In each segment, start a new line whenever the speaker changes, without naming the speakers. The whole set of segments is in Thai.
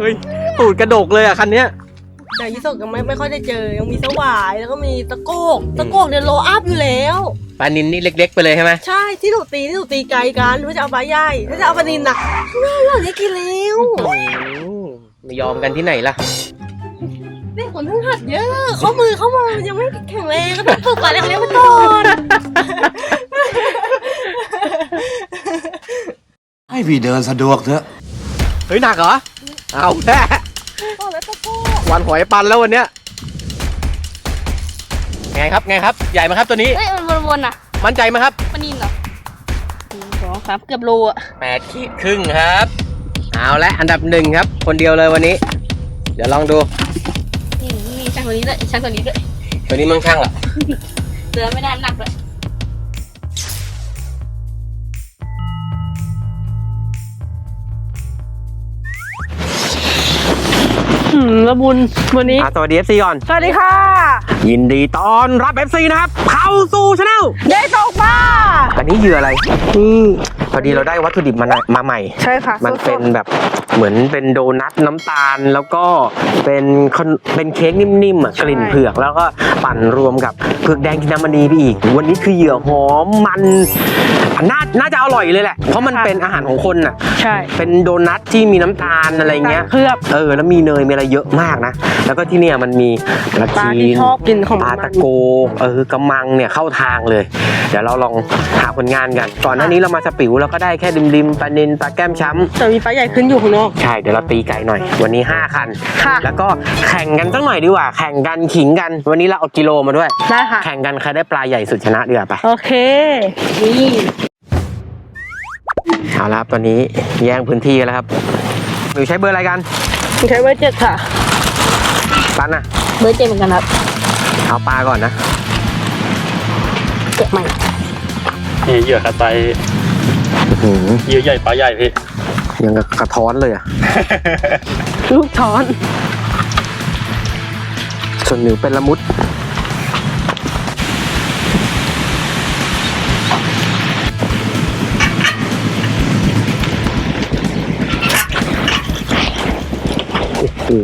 ฮ้ยตูดกระดกเลยอ่ะคันเนี้ย
แต่ยี่สกยังไม่ค่อยได้เจอยังมีสวายแล้วก็มีตะโกกเนี่ยโลอัพอยู่แล้ว
ปลานินนี่เล็กๆไปเลยใช่ไหม
ใช่ที่หนูตีไกลกันว่าจะเอาปลาใหญ่ถ้าจะเอาปลานินน่ะไม่เอาได้กินแล้ว
ไม่ยอมกันที่ไหนล่ะ
เด็กคนทั้งหัดเยอะข้อมือยังไม่แข็งแรงก็ต้องฝึกก่อนเล็กๆไปก่อน
ให้พี่เดินสะดวกเถอะ
เฮ้ยหนักเหรอเอาแท้วันหอยปันแล้ววันเนี้ยไงครับใหญ่ไหมครับตัวนี้
เฮ้ยมันวนๆอ่ะ
มั่นใจไหมครับ
ปลานินเหรอ2 3เกือบโลอ่ะ
8 ขีดครึ่งครับเอาละอันดับ1ครับคนเดียวเลยวันนี้เดี๋ยวลองดู
นี่ช่างตัวนี้ด้วยตัวนี้
มึงช่างเหรอ
เสือไม่ได้หนักเลยละมุนวันนี้
สวัสดี FC ก่อน
สวัสดีค่ะ
ยินดีต้อนรับ FC นะครับเข้าสู่ช anel
เย้ตกปลา
อันนี้เหยื่ออะไรพอดีเราได้วัตถุดิบมาใหม่
ใช่ค่ะ
มันเป็นแบบเหมือนเป็นโดนัทน้ำตาลแล้วก็เป็นเค้กนิ่มๆกลิ่นเผือกแล้วก็ปั่นรวมกับเผือกแดงกินน้ำมันดีไปอีกวันนี้คือเหยื่อหอมมันน่าจะอร่อยเลยแหละเพราะมันเป็นอาหารของคนน่ะ
ใช่
เป็นโดนัทที่มีน้ำตาลอะไรเงี้ย
เคลือบ
แล้วมีเนยมีอะไรเยอะมากนะแล้วก็ที่เนี่ยมันมีกระชีนปลาตะโกกระมังเนี่ยเข้าทางเลยเดี๋ยวเราลองหาผลงานกันก่อนหน้านี้เรามาสปิวเราก็ได้แค่ริมปลานิลปลาแก้มช้ำ
แต่มีปลาใหญ่ขึ้นอยู่ข้างนอก
ใช่เดี๋ยวเราตีไกลหน่อยวันนี้5 คันแล้วก็แข่งกันสักหน่อยดีกว่าแข่งกันขิงกันวันนี้เราเอากิโลมาด้วย
ได้ค่ะ
แข่งกันใครได้ปลาใหญ่สุดชนะดีกว่าไป
โอเคนี่
เอาละครับตอนนี้แย่งพื้นที่แล้วครับหนูใช้เบอร์อะไรกัน
ใช้เบอร์7ค่ะ
ปันนะ
เบอร์7เหมือนกันครับ
เอาปลาก่อนนะ
เก็บใหม่
นี่เหยื่อคาไตเหยื่อใหญ่ปลาใหญ่พี่
ยังกระท้อนเลยอ่ะ
ลูกท้อน
ส่วนหนูเป็นละมุดโอ้โห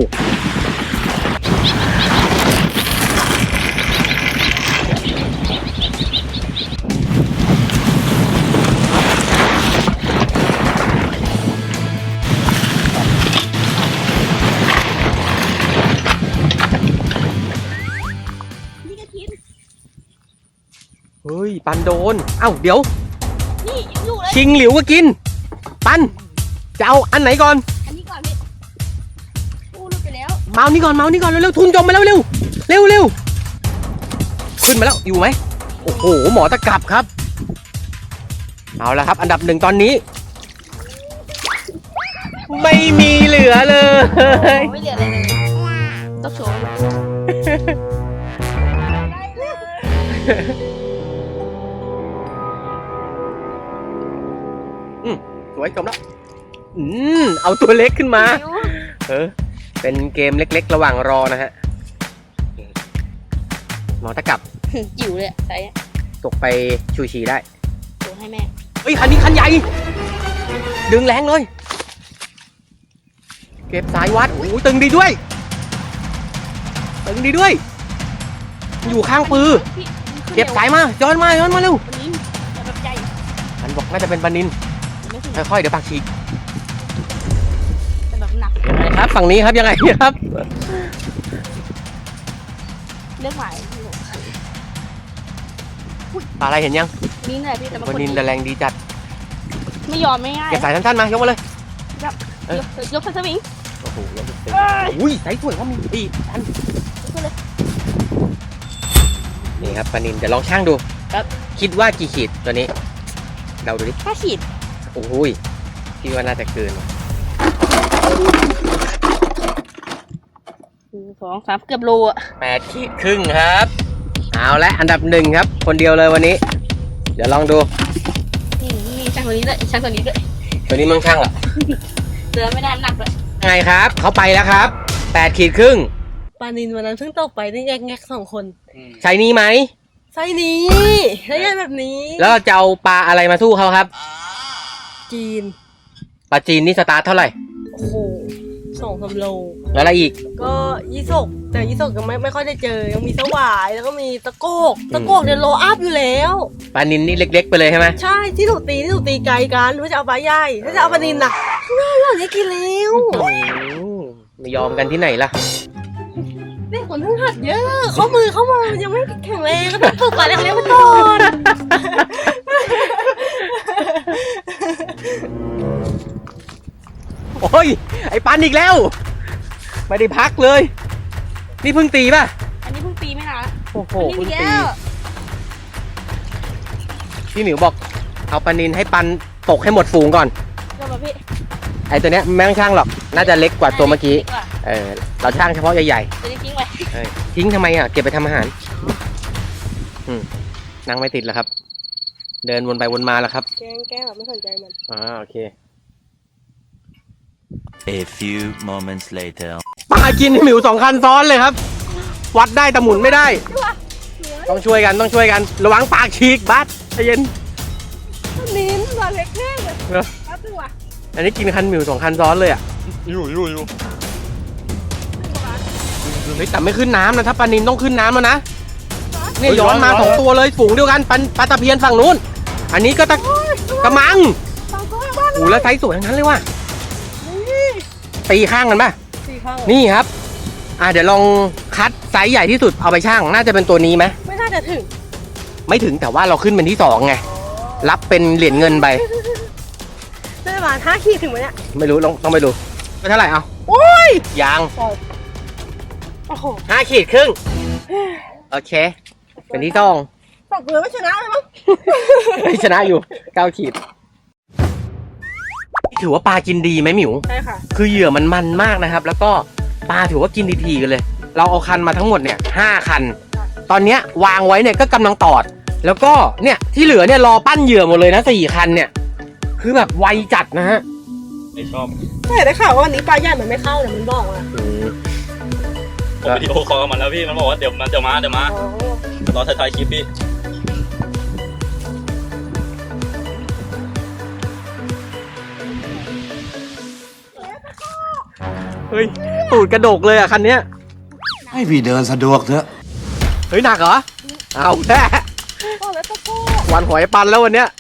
เฮ้ยปันโดนเอ้าเดี๋ยว
นี่ยังอยู่เลย
ชิงหลิวก็กินปันจะเอาอันไหนก่อน
อันนี้ก่อนพี่พูดไปแล้ว
เมานี่ก่อนเร็วๆทุนจมมาแล้วเร็วขึ้นมาแล้วอยู่ไหมโอ้โหหมอตะกรับครับเอาละครับอันดับ1ตอนนี้ไม่มีเหลือเลย
ไม่เหลืออะไรเลยต้องโชว์
สวยจมแล้วเอาตัวเล็กขึ้นมาเป็นเกมเล็กๆระหว่างรอนะฮะหมอตะกรับ
จิ๋วเลยใส่
ตกไปชูชีได้
โชว์ให้แม่
เฮ้ยคันนี้คันใหญ่ดึงแรงเลยเก็บสายวัดโอ้ตึงดีด้วยอยู่ข้างปือเก็บสายมาย้อนมาเร็ว
ปลานินแบบใหญ่
มันบอกน่าจะเป็นปลานินค่อยๆเดี๋ยวปากฉีก
แต่แบบหนัก
ยังไงครับฝั่งนี้ครับยังไงครับ
เลือกหมาย
ปลาอะไรเห็นยัง
นี่แหละพี่แต่
ปลานินแต่แรงดีจัด
ไม่ยอมไม่ง่าย
เก็บสายสั้นๆมายกมาเลย
ยกสวิง
โอ้โหอุ้ยสายสวยว่ามีปีอันนี่ครับปลานินเดี๋ยวลองช่างดู
ครับ
คิดว่ากี่ขีดตัวนี้เราดูดิ
5 ขีด
โอ้ยคิดว่าน่าจะเกิน
2 3เกือบโลอ่ะ
8 ขีดครึ่งครับเอาละอันดับ1ครับคนเดียวเลยวันนี้เดี๋ยวลองดู
นี่ช่างตัวนี้ด้วยตัวนี้
มึงช่างเหรอ
เสือไม่ได้หนักเลย
ไงครับเขาไปแล้วครับ8 ขีดครึ่ง
ปลานินวันนั้นเพิ่งตกไปได้แงก2 คน
ใช่นี้ไหม
ไซนี้ได้ยันแบบนี้
แล้วเราจะเอาปลาอะไรมาสู้เขาครับ
จีน
ปลาจีนนี่สตาร์ทเท่าไหร่
โอ้โห 2-3 โล
แล้วอะไรอีก
ก็ยี่สกแต่ยี่สกยังไม่ค่อยได้เจอยังมีสวายแล้วก็มีตะโกกเนี่ยโลอัพอยู่แล้ว
ปลานินนี่เล็กๆไปเลยใช่ไหม
ใช่ที่ถูกตีไกลกันเพื่อจะเอาปลาใหญ่ถ้าจะเอาปลานินน่ะง่ายกว่านี้กินแล้ว
ไม่ยอมกันที่ไหนล่ะ
เด็กคนเพิ่งหัดเยอะข้อมือเข้ามายังไม่แข็งแรงก็ต้องฝึกก่อนแล้วเรียกมาก่อน
โอ้ยไอ้ปันอีกแล้ว ไม่ได้พักเลย นี่เพิ่งตีป่ะ
อันนี้เพิ่งตีไม่นาน
โอ้โห
อันนี้
เพิ่ง
แล้
ตี
ว
พี่หมิวบอกเอาปลานินให้ปันตกให้หมดฝูงก่อน
เดี๋ยวมาพี่
ไอ้ตัวเนี้ยไม่ต้องช่างหรอกน่าจะเล็กกว่าตัวเมื่อกี้
ดีว่า
เราช่างเฉพาะใหญ่
ตัวนี้ทิ้งไว้
ๆทิ้งทำไมอ่ะเก็บไปทำอาหารนั่งไม่ติดแล้วครับ เดินวนไปวนมาแล้วครับ
แกล้งแบบไม่สนใจมัน
โอเค
A few moments later
ปลากินให้หมิว2 คันซ้อนเลยครับ วัดได้แต่หมุนไม่ได้ ต้องช่วยกันระวังปากฉีกบัสใจเย็น
ลิ้นตัวเล็กแน่เลย
เหรอ
ครับตัว
อันนี้กินคันหมิว2 คันซ้อนเลยอ่ะ
อยู่
เฮ้ยแต่ไม่ขึ้นน้ำนะถ้าปลานินต้องขึ้นน้ำแล้วนะเนี่ยย้อนมา2 ตัวเลยฝูงเดียวกันปลาตะเพียนฝั่งนู้น อันนี้ก็กระมัง
สองตัวบ้าน
โอ้แล้วไซส์สวยทั้งนั้นเลยว่ะตีข้างกันป่ะ
สี่ข้าง
นี่ครับ เดี๋ยวลองคัดไซส์ใหญ่ที่สุดเอาไปช่างน่าจะเป็นตัวนี้ไหม
ไม่น่าจะถึง
ไม่ถึงแต่ว่าเราขึ้นเป็นที่2ไงรับเป็นเหรียญเงินไป
ได้ประมาณ5 ขีดถึงไหมเนี่ย
ไม่รู้ต้องไปดูเป็นเท่าไหร่เอา
โอ้ย
ยาง
โอ้โห
5 ขีดครึ่งโอเค เป็นที่2
ตกเลยไม่ชนะเลยมั้ง
ไม่ชนะอยู่9 ขีดถือว่าปลากินดีไหมหมิว
ใช่ค่ะ
คือเหยื่อมันมากนะครับ แล้วก็ปลาถือว่ากินทีๆกันเลย เราเอาคันมาทั้งหมดเนี่ย5 คัน ตอนเนี้ยวางไว้เนี่ยก็กำลังตอด แล้วก็เนี่ยที่เหลือเนี่ยรอปั้นเหยื่อหมดเลยนะ4 คันเนี่ย คือแบบไวจัดนะฮะ
ไม่ชอบ
แต่ได้ข่าวว่าวันนี้ปลาใหญ่มันไม่เข้าเนี่ยมันบอกอ่ะ
ผมวิดีโอคอลกับมันแล้วพี่มันบอกว่าเดี๋ยวมา
อ๋อ
รอถ่ายคลิปพี่
เฮ้ยตูดกระดกเลยอ่ะคันเนี้ย
ให้พี่เดินสะดวกเถอะ
เฮ้ยหนักเหรอ เอาแค่
โอ้แล้วตะโก้
วันหอยปันแล้ววันเนี้ย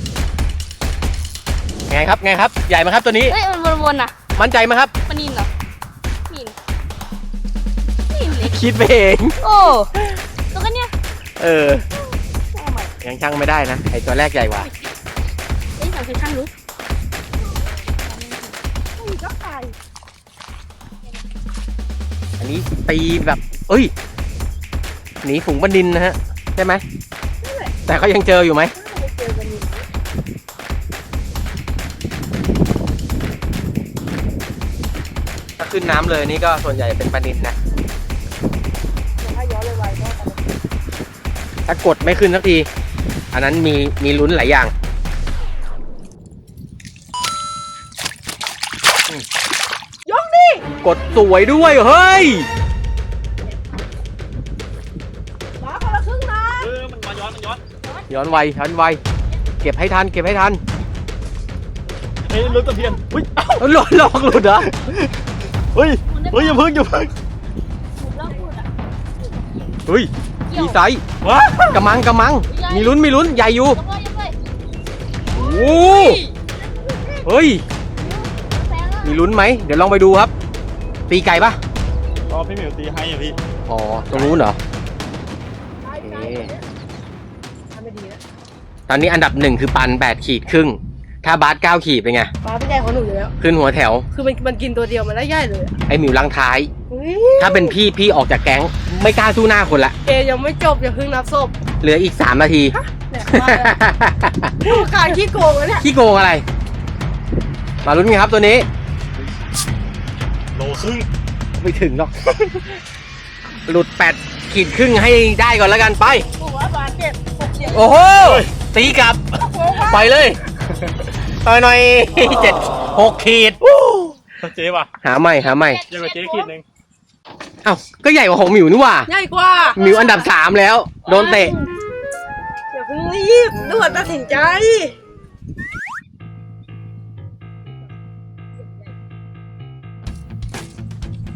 ไงครับใหญ่ไหมครับตัวนี้
เฮ้ยมันวนๆน่ะ
มั่นใจไหมครับ
ปลานินเหรอนินเล็ก
คิดไปเอง
โอ้ตัวกันเนี่ย
เอาใหม่ยังช่างไม่ได้นะไอตัวแรกใหญ่กว่า
เอ้ยสาวเคยช่างรู้
ก็ไข่
อันนี้ตีแบบเอ้ยหนีฝูงบันดินนะฮะใช่ไหมแต่เขายังเจออยู่ไหมถ้าขึ้นน้ำเลยนี่ก็ส่วนใหญ่เป็นปลานินนะ
ถ้าย้อนเลยไวก็
ถ้ากดไม่ขึ้นสักที อันนั้นมีลุ้นหลายอย่างยกดิกดสวยด้วยเฮ้ย
มาคนละครึ่งนะ
มันย้อน
ย้อนไวเก็บให้ทัน
เฮ้ยลุ้นตะเพียนอุ้ย
หลุดเหรอ
เฮ้ยอย่าเพิ่ง
หมุนรอบหมุนอ่ะ
เฮ้ยมีไซส์
ว้าก
ระมังมีลุ้นใหญ่อยู่
ยกเลย
โอ้เฮ้ย
แซงแล้ว
มีลุ้นไหมเดี๋ยวลองไปดูครับ ตีไก่ปะ
รอพี่หมิวตีให้อ่ะพี่
อ๋อตรงนู้นเหรอ
ใช่
โอ
ใช่
เค
ทำไม่ดีนะ
ตอนนี้อันดับ1คือปัน8 ขีดครึ่งถ้าบาส9 ขีดเป็นไง
ปลาเป็นใหญ่ของหนูอยู่แล้ว
ขึ้นหัวแถว
คือมันกินตัวเดียวมันได้ใหญ่เลยอะ
ไอหมิวลังท้าย
อุ๊ย
ถ้าเป็นพี่ออกจากแก๊งไม่กล้าสู้หน้าคนละ
เกมยังไม่จบอย่าเพิ่งนับศพ
เหลืออีก3 นาที
เนี่ยมาแล้วดูการขี้โกงอะเนี่ย
ขี้โกงอะไร มาลุ้นกันครับตัวนี้
โลครึ่ง
ไม่ถึงหรอก หลุด8 ขีดครึ่งให้ได้ก่อนแล้วกันไป
บอกว่าปลาเจ็บปวดเฉียง
โอ้โห ตีกลับ ปล่อยเลยหน่อย 7-6 ขีด
เจ๊ป่ะ
หาใหม่
เยอะกว่าเจ๊ขีดนึง
เอ้า ก็ใหญ่กว่าของหมิวนี่หว่า
ใหญ่กว่า
หมิวอันดับ3แล้ว โดนเตะ
อย่าเพิ่งรีบด่วนตัดสินใจ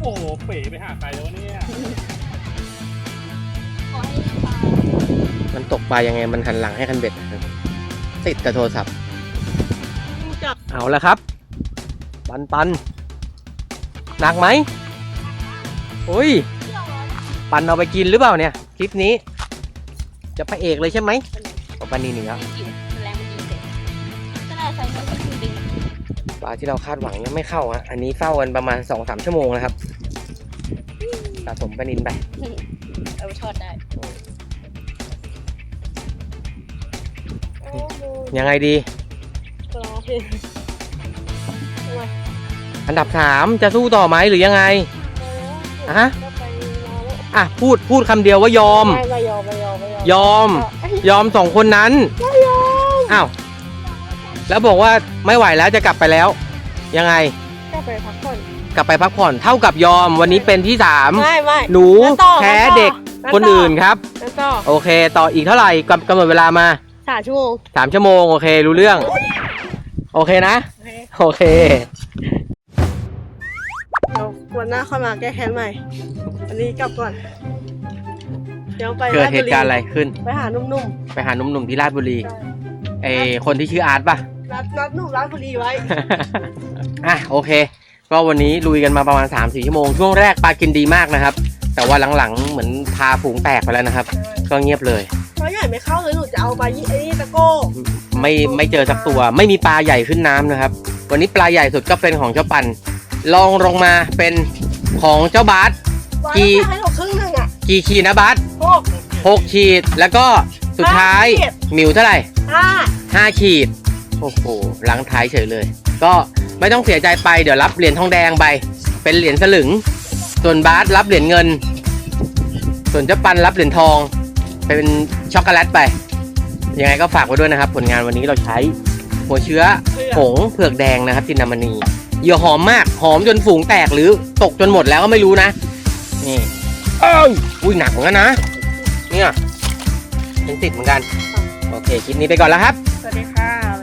โอ้โหเป๋ไปหาใครแล้วเนี่ย
ขอให้ปลา
มันตกปลายังไงมันหันหลังให้คันเบ็ดนะครับติดแต่โทรศัพท์
จับ
เอาละครับ ปันหนักไหมโอ้ยปันเอาไปกินหรือเปล่าเนี่ยคลิปนี้ จะพระเอกเลยใช่ไหมของปันนี่หนึ่งแล้ว
จิ๋วมันแรงมันยิงเสร็จก็น่าใส่เนื้อที่ดึง
ปลาที่เราคาดหวังยังไม่เข้าฮะอันนี้เฝ้ากันประมาณ 2-3 ชั่วโมงนะครับสะสมปลานินไป
เอาไปทอดได้
โอ้โห
ยังไงดี
รอเพลง
อันดับ 3 จะสู้ต่อไหมหรือยังไง ฮะ
ก็ไปรอแล้ว
อ่ะพูดคำเดียวว่ายอม
ไม่ยอม
ยอม 2 คนนั้นอ้าวแล้วบอกว่าไม่ไหวแล้วจะกลับไปแล้ว ยังไง
ก็ไปพักผ่อน
กลับไปพักผ่อนเท่ากับยอมวันนี้เป็นที่
ไม่
3 หนู
งั้นต่อ
แพ้
งั้นต่อ
เด็ก
งั้นต่อ
คนอื่นครับ
แล้วก็
โอเค ต่ออีกเท่าไหร่กำหนดเวลามา
3 ชั่วโมง
3 ชั่วโมงโอเครู้เรื่อง โอเคนะ โอเค
เดี๋ยววันหน้าค่อยมาแก้แค้นใหม่ อันนี้กลับก่อน เดี๋ยวไป
เกิดเหตุการณ์อะไรขึ้น
ไปหาหนุ่ม
ไปหาหนุ่มๆที่ราชบุรีไอคนที่ชื่ออาร์ตป่ะ
ๆนัดหนุ่มร้านบุรีไว้
อ่ะโอเค ก็วันนี้ลุยกันมาประมาณ 3-4 ชั่วโมงช่วงแรกปลากินดีมากนะครับ แต่ว่าหลังๆเหมือนพาฝูงแตกไปแล้วนะครับ ก็เงียบเลย
เพราะใหญ่ไม่เข้าเลยหนูจะเอาไปไอ้นี่ตะโก้
ไม่เจอสักตัว ไม่มีปลาใหญ่ขึ้นน้ำนะครับ วันนี้ปลาใหญ่สุดก็เป็นของเจ้าปันลองลงมาเป็นของเจ้าบาส
วาง
กี่
ให้หนูครึ่งหนึ่งอ่ะ
กี่ขีดนะบาส
6
6 ขีดแล้วก็สุดท้าย
5 ขีด
หมิวเท่าไหร่
5
5 ขีด โอ้โหหลังท้ายเฉยเลย ก็ไม่ต้องเสียใจไปเดี๋ยวรับเหรียญทองแดงไปเป็นเหรียญสลึง ส่วนบาสรับเหรียญเงิน ส่วนเจ้าปันรับเหรียญทองเป็นช็อกโกแลตไปยังไงก็ฝากไว้ด้วยนะครับ ผลงานวันนี้เราใช้หัวเชื้อผงเผือกแดงนะครับจินดามณีเหยื่อหอมมากหอมจนฝูงแตกหรือตกจนหมดแล้วก็ไม่รู้นะนี่อุ้ยหนักเหมือนกันนะเนี่ยเป็นติดเหมือนกันโอเคคลิปนี้ไปก่อนแล้วครับ
สวัสดีค่ะ